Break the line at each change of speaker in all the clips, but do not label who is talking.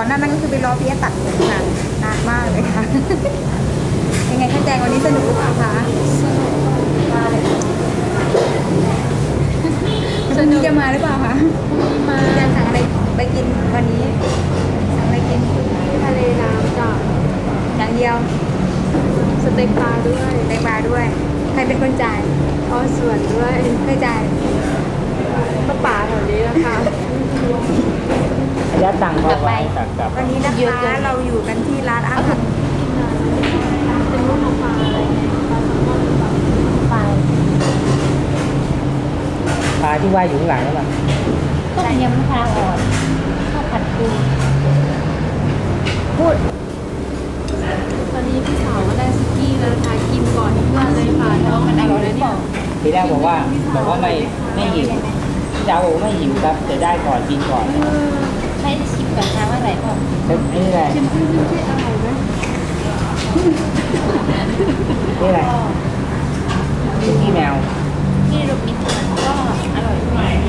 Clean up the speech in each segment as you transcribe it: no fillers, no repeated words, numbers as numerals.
นั่นก็คือไปรอพี่แอดตัดผมค่ะนานมากเลยค่ะ ยังไงคะแจงวันนี้สนุกหรือเปล่าคะสนุกมาเลยวันนี้จะมาหรือเปล่าคะมาจะสั่งอะไรไปกินวันนี้สั่งอะไรกิน
ทะเลน้ำจ้ะ
อย่างเดียว
สเต็กปลาด้วย
สเต็กปลาด้วยใครเป็นคนจ่าย
อ๋อส่วนด้วย
ใครจ่าย
ก็ป่าแถวนี้นะคะ
ระยะตังค์พอไปกับ
วันนี้นะคะเราอยู่กันที่ร้านอาหาร
เป็นรูปของปลาอะไรไงปลาแซลมอนปลา
ปลาที่ว่ายอยู่ข้างหลังนั่นแหละ
ต้มยำมะพร้าวอ่อนข้าวผัดปู
พูด
ตอนนี้พี่สาวก็ได้สุกี้แล้วนะคะกินก่อนเพื่อนเลยค่ะแล้วมันอร่อยเลยเนี่ย
ทีแรกบอกว่าไม่หิวเจ้าบอกไม่หิวครับจะได้ก่อนกินก่อน
ให้ชิมก่อนนะว่าอร่อยเปล่า
นี่แหละ
ชิมอร่อยไหม
นี่แหละคุกกี้แมว
ที่รูปมิตรก็อร่อย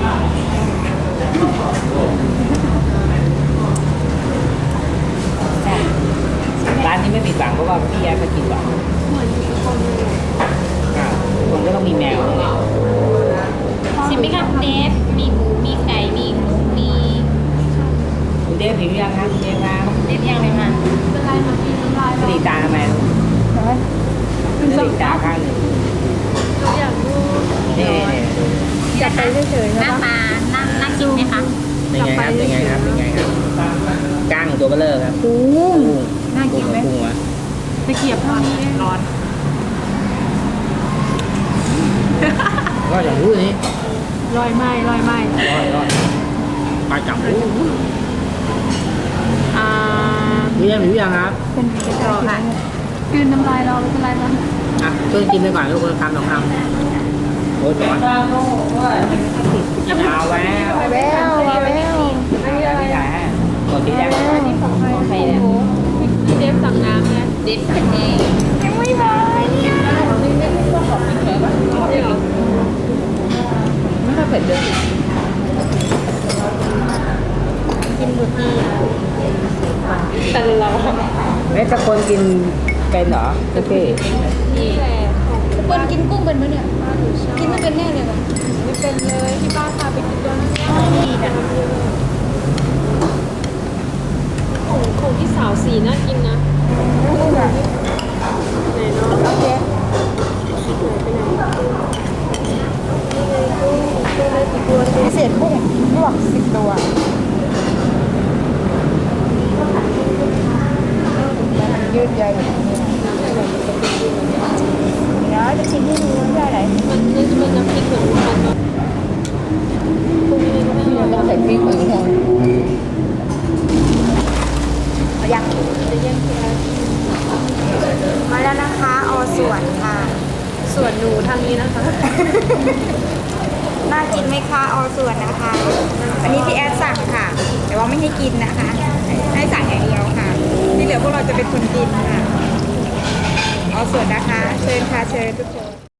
จ้ะ
ร้านนี้ไม่ผิดหวังเพราะว่าพี่แอ๊มากินก่อน
เหมือนอยู่ทุกคนเลย
คนก็ต้องมีแมวด้วย
ชิมไหมครับเดฟมีหมูมีไก่มีหมูมี
คุณเดฟหิวยังครับคุณเดฟครับ
เดฟยังเลยค่ะ
เป็นไรมากินน้ำลาย
กระดิกตาทำไมลูกกระดิกตาข้างหนึ่ง
เราอยากดู
นี่
จับไปเฉยๆ
หน้า
นะ
ตาน่ากินไหมคะ
เป็นไงครับเป็นไงครับเป็นไงครับก้างตัวเบลเลอร์ครับ
โอ้น่ากินไหม
กุ้งวะ
ตะเกียบร้อนร้อน
ก็อย่างรู้นี่
ลอยไหม
รอดปลาจับหู
อ่า
พี่แอ๊หิวยังครับ
เป็นกระจอกค่ะ
คืนน้ำลายเราไม่เป็นไรนะ
อ่ะช่วยกินไปก่อนทุกคนคำสองคำโอ้ยร้อนกินเอาแล้ว
แววแวว
อันนี้อะไรอ่ะกดที่แรก
นี่ของใคร
ของใครเนี่ย
พี่เดฟสั่งน้ำไง
เดฟสั่งเอง
ยังไม่มาเนี่ย
ไม่ค่อยเผ็ดเลย
กินบุตรีแต่เรา
เอ๊ะถ้าคนกินเป็นเหรอโอเค
นี่แหละของ
คนกินกุ้งเป็นไหมเนี่ย
บ้านหนูชอบ
กินไม่เป็นแน่เลยว่ะ
ไม่เป็นเลยที่บ้านพาไปกินด้วยนะของพี่สาวสีน่ากินนะไหนเนาะ
โอเค พิเศษกุ้งลวก10 ตัวมันยืดใยแบบนี้เดี๋ยวจะชิมให้ดูว่าได้ไหน
มันจะเป็นน้ำพริกเหมือนกันเนาะพวกนี้ก็ไม่อร่อย
ต้องใส่พริกหรือไงยัง
จะแย่งแค่
มาแล้วนะคะอส่วนค่ะ
ส่วนหนูทางนี้นะคะ
น่ากินไหมคะอส่วนนะคะ อันนี้พี่แอดสั่งค่ะ แต่ว่าไม่ให้กินนะคะ ให้สั่งอย่างเดียวค่ะ ที่เหลือพวกเราจะเป็นคนกินค่ะอส่วนนะคะ เชิญค่ะเชิญทุกคน